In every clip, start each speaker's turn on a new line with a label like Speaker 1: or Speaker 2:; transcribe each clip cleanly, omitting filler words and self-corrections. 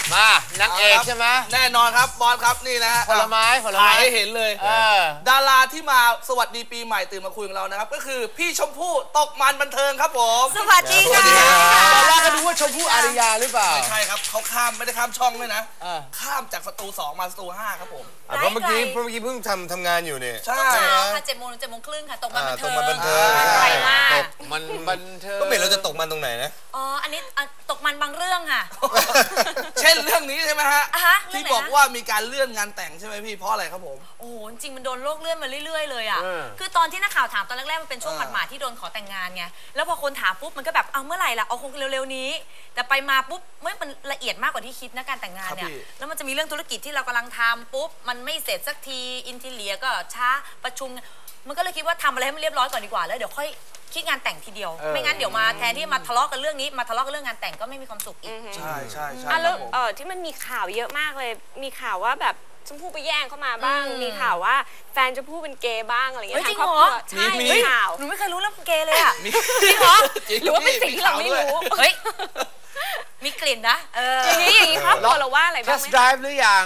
Speaker 1: มานางเอกใช่ไหม
Speaker 2: แน่นอนครับบอลครับนี่นะฮะ
Speaker 1: ผลไม้
Speaker 2: ถ่ายให้เห็นเลยดาราที่มาสวัสดีปีใหม่ตื่นมาคุยกับเรานะครับก็คือพี่ชมพู่ตกมันบันเทิงครับผม
Speaker 3: สวัสดีค่ะ
Speaker 1: ตอนแรกก็ดูว่าชมพู่อาริยาหรือเปล่า
Speaker 2: ไม่ใช่ครับเขาไม่ได้ข้ามช่องด้วยนะข้ามจากสตู2มาสตู5ครับผม
Speaker 4: เพราะเมื่อกี้เพิ่งทำงานอยู่เนี่ย
Speaker 2: ใช่
Speaker 3: ค่ะ7 โมงถึง7 โมงครึ่งค่ะตกมันบันเทิง
Speaker 4: ไกล
Speaker 3: มาก
Speaker 1: ตกมันบันเทิง
Speaker 4: ก็เป็นเราจะตกมันตรงไหนนะ
Speaker 3: อ๋ออันนี้ตกมันบางเรื่องค่ะ
Speaker 2: เช่นเรื่องนี้ใช่ไหมฮะที่บอกว่ามีการเลื่อนงานแต่งใช่ไหมพี่เพราะอะไรครับผม
Speaker 3: โอ้จริงมันโดนโลกเลื่อนมาเรื่อยๆเลยอ่ะคือตอนที่นักข่าวถามตอนแรกๆมันเป็นช่วงหมาดๆที่โดนขอแต่งงานไงแล้วพอคนถามปุ๊บมันก็แบบเอาเมื่อไหร่ล่ะเอาคงเร็วๆนี้แต่ไปมาปุ๊บมันละเอียดมากกว่าที่คิดนะการแต่งงานเนี่ยแล้วมันจะมีเรื่องธุรกิจที่เรากำลังทำปุ๊บมันไม่เสร็จสักทีอินทีเลียก็ช้าประชุมมันก็เลยคิดว่าทำอะไรให้มันเรียบร้อยก่อนดีกว่าแล้วเดี๋ยวค่อยคิดงานแต่งทีเดียวไม่งั้นเดี๋ยวมาแทนที่มาทะเลาะกันเรื่องนี้มาทะเลาะกันเรื่องงานแต่งก็ไม่มีความสุขอีก
Speaker 2: ใช่ใช่ใช่
Speaker 5: แล้วที่มันมีข่าวเยอะมากเลยมีข่าวว่าแบบชมพู่ไปแย่งเข้ามาบ้างมีข่าวว่าแฟนชมพู่เป็นเกย์บ้างอะไรเงี้ย
Speaker 3: จริงเหรอ
Speaker 5: ใช่มีข่าว
Speaker 3: หนูไม่เคยรู้เรื่องเกย์เลยอ่ะ
Speaker 5: จริงเหรอหรือว่าเป็นสิ่งที่เราไม่รู้
Speaker 3: เฮ้ยมีกลิ่นนะ
Speaker 5: อย่างนี้ครอบครัวเราว่าอะไรบ้างไหม
Speaker 1: Test Drive หรือยัง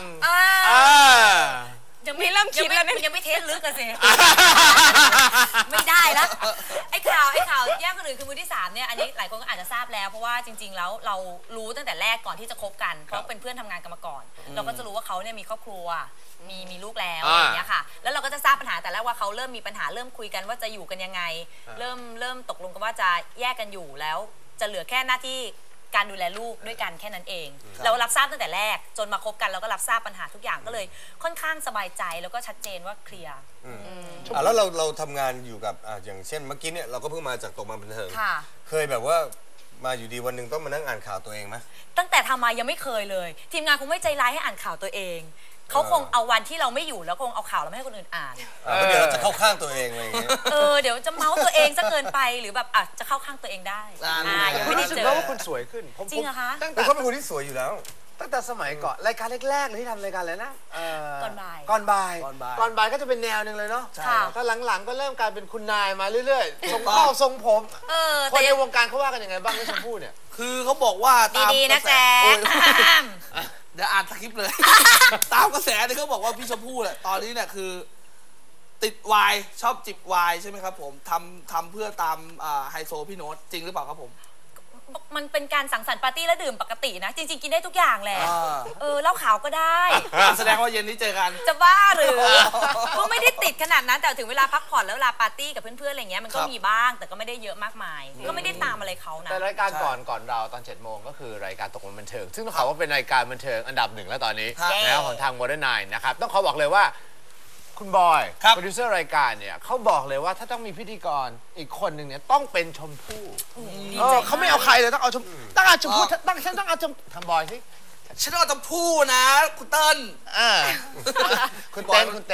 Speaker 3: ยังไม่เริ่มคิดแล้วยังไม่เทสลึกกันสิไม่ได้แล้วไอ้ข่าวแย่งคนอื่นคือมือที่3เนี่ยอันนี้หลายคนก็อาจจะทราบแล้วเพราะว่าจริงๆแล้วเรารู้ตั้งแต่แรกก่อนที่จะคบกันเพราะเป็นเพื่อนทำงานกันมาก่อนเราก็จะรู้ว่าเขาเนี่ยมีครอบครัวมีลูกแล้วอย่างเงี้ยค่ะแล้วเราก็จะทราบปัญหาแต่แรกว่าเขาเริ่มมีปัญหาเริ่มคุยกันว่าจะอยู่กันยังไงเริ่มตกลงกันว่าจะแยกกันอยู่แล้วจะเหลือแค่หน้าที่การดูแลลูกด้วยกันแค่นั้นเองเรารับทราบตั้งแต่แรกจนมาคบกันเราก็รับทราบปัญหาทุกอย่างก็เลยค่อนข้างสบายใจแล้วก็ชัดเจนว่าเคลียร์
Speaker 4: แล้วเราทำงานอยู่กับอย่างเช่นเมื่อกี้เนี่ยเราก็เพิ่งมาจากตกมันบันเทิงเคยแบบว่ามาอยู่ดีวันหนึ่งต้องมานั่งอ่านข่าวตัวเองไหม
Speaker 3: ตั้งแต่ทำมายังไม่เคยเลยทีมงานคงไม่ใจร้ายให้อ่านข่าวตัวเองเขาคงเอาวันที่เราไม่อยู่แล้วคงเอาข่าวเราไม่ให้คนอื่นอ่าน
Speaker 4: เดี๋ยวเราจะเข้าข้างตัวเองอะไรอย่างเงี้ย
Speaker 3: เดี๋ยวจะเมาส์ตัวเองซะเกินไปหรือแบบจะเข้าข้างตัวเองได้
Speaker 1: ยังไม่ได้เจอว่าคุณสวยขึ้น
Speaker 3: จริงเหรอคะ
Speaker 4: แต่เขาเป็นคนที่สวยอยู่แล้ว
Speaker 1: ตั้งแต่สมัยก่อนรายการแรกๆเลยที่ทำรายการอะไรนะ
Speaker 3: ก่อนบ่าย
Speaker 1: ก็จะเป็นแนวหนึ่งเลยเนาะถ้าหลังๆก็เริ่มกลายเป็นคุณนายมาเรื่อยๆทรงข้อทรงผมคนในวงการเขาว่ากันยังไงบ้างที่ชมพู่เนี่ย
Speaker 2: คือเขาบอกว่า
Speaker 3: ดีๆนะแจ๊
Speaker 2: เดี๋ยวอ่านสคริปต์เลยตามกระแสที่เขาบอกว่าพี่ชมพู่เนี่ยตอนนี้เนี่ยคือติดวายชอบจิบวายใช่ไหมครับผมทำเพื่อตามไฮโซพี่โน้ตจริงหรือเปล่าครับผม
Speaker 3: มันเป็นการสังสรรค์ปาร์ตี้และดื่มปกตินะจริงๆกินได้ทุกอย่างแหละเหล้าขาวก็ได้
Speaker 2: แสดงว่าเย็นนี้เจอกัน
Speaker 3: จะบ้าหรือก็ไม่ได้ติดขนาดนั้นแต่ถึงเวลาพักผ่อนแล้วเวลาปาร์ตี้กับเพื่อนๆอะไรเงี้ยมันก็มีบ้างแต่ก็ไม่ได้เยอะมากมายก็ไม่ได้ตามอะไรเขานะ
Speaker 1: แต่รายการก่อนเราตอน7 โมงก็คือรายการตกมันบันเทิงซึ่งต้องขอว่าเป็นรายการบันเทิงอันดับ1แล้วตอนนี้แล้วของทาง Modern 9นะครับต้องขอบอกเลยว่าคุณบอยโปรดิวเซอร์รายการเนี่ยเขาบอกเลยว่าถ้าต้องมีพิธีกรอีกคนหนึ่งเนี่ยต้องเป็นชมพู่เขาไม่เอาใครเลยต้องเอาชมพู่ต้องเอาชมพู่ทำบอยสิ
Speaker 2: ฉันต้องเอาชมพู่นะคุณเติ้ล
Speaker 1: คุณเต้น
Speaker 2: รู้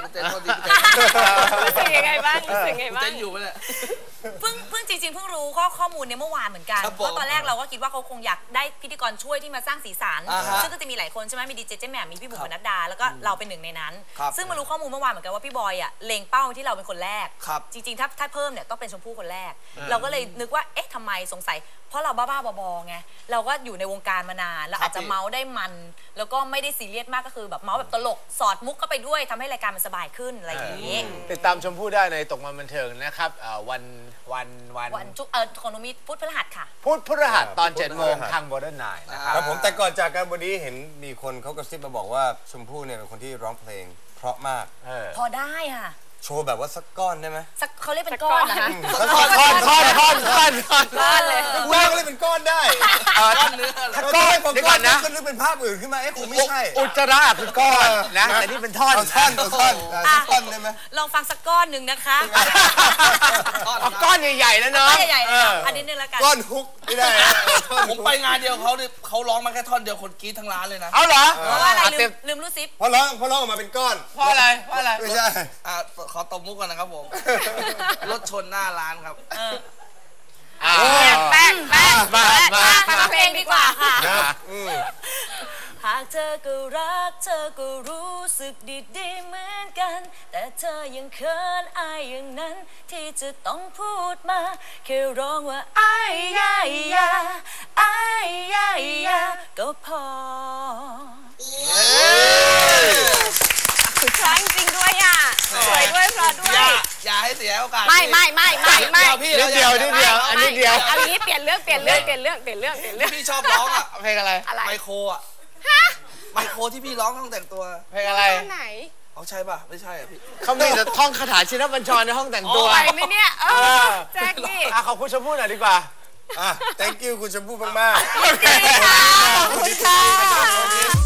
Speaker 5: สึกยังไงบ้าง
Speaker 2: เต้นอยู่ไหมเนี่ย
Speaker 3: เพิ่งจริงๆเพิ่งรู้ข้อมูลในเมื่อวานเหมือนกันเพราะตอนแรกเราก็คิดว่าเขาคงอยากได้พิธีกรช่วยที่มาสร้างสีสันซึ่งก็จะมีหลายคนใช่ไหมมีดีเจเจแหม่มมีพี่บุ๋มปนัดดาแล้วก็เราเป็นหนึ่งในนั้นซึ่งมารู้ข้อมูลเมื่อวานเหมือนกันว่าพี่บอยเล็งเป้าที่เราเป็นคนแรกจริงๆถ้าเพิ่มเนี่ยต้องเป็นชมพู่คนแรกเราก็เลยนึกว่าเอ๊ะทำไมสงสัยเพราะเราบ้าๆบอๆไงเราก็อยู่ในวงการมานานเราอาจจะเมาส์ได้มันแล้วก็ไม่ได้ซีเรียสมากก็คือแบบเมาส์แบบตลกสอดมุกเข้าไปด้วยทำให้รายการมันสบายขึ้นอะไรอย่างนี้
Speaker 1: ติดตามชมพู่ได้ในตกมันบันเทิงนะครับวัน
Speaker 3: ของนุมีพุธพฤหัสค่ะ
Speaker 1: พุธพฤหัสตอน7 โมงทาง Modern 9นะครับ
Speaker 4: ผมแต่ก่อนจากการวันนี้เห็นมีคนเขากระซิบมาบอกว่าชมพู่เนี่ยเป็นคนที่ร้องเพลงเพราะมาก
Speaker 3: พอได้ค่ะ
Speaker 4: โชว์แบบว่าสักก้อนได้ไหม
Speaker 3: สักเขาเรียกเป็นก้อนนะคะ
Speaker 1: ท่อนเลย
Speaker 4: กูเรียกเป็นก้อนได้ถ้าก้อนเดี๋ยวก่อนนะก็นึกเป็นภาพอื่นขึ้นมาคงไม่ใช่
Speaker 1: อุจจาระคือก้อนนะแต่นี่เป็นท่อน
Speaker 4: ได้ไหม
Speaker 3: ลองฟังสักก้อนหนึ่งนะคะ
Speaker 1: ก้อนใหญ่ๆนะเนาะ
Speaker 3: ใหญ่ๆอันนี้นึงแล้วกัน
Speaker 4: ก้อนฮุกไม่ได้
Speaker 2: ผมไปงานเดียวเขาร้องมาแค่ท่อนเดียวคนกรี๊ดทั้งร้านเลยนะ
Speaker 1: เอาเหรอ
Speaker 3: เพราะว่าอะไรลืมรู้ซิป
Speaker 4: เพราะร้องออกมาเป็นก้อน
Speaker 1: เพราะอะไร
Speaker 4: ไม่ใช่
Speaker 2: ขอตบมุกก่อนนะครับผมรถชนหน้าร้านครับ
Speaker 3: แป้งมาเพลงดีกว่าค่ะหากเธอก็รักเธอก็รู้สึกดีๆเหมือนกันแต่เธอยังเขินอายอย่างนั้นที่จะต้องพูดมาแค่ร้องว่าอายยาอายยาก็พอ
Speaker 2: เสียโอกาส
Speaker 5: ไม่
Speaker 2: พี่
Speaker 1: นิดเดียวอันนี้เดียว
Speaker 5: เอางี้เปลี่ยนเรื่อง
Speaker 2: พี่ชอบร้องอ่ะ
Speaker 1: เพลงอะไร
Speaker 2: ไมโครอ่ะไมโครที่พี่ร้องต้องแต่งตัว
Speaker 1: เพลงอะไร
Speaker 5: ไหน
Speaker 2: เอาใช่ป่ะไม่ใช่อ่ะพี่
Speaker 1: เขามีแต่ท่องคาถาชินบัญชรในห้องแต่งตัว
Speaker 5: ไปไหมเนี่ยแจ็คนี่
Speaker 1: ขอบคุณชมพู่หน่อยดีกว่า
Speaker 4: thank you คุณชมพู่มากๆ
Speaker 5: ขอบคุณค่ะ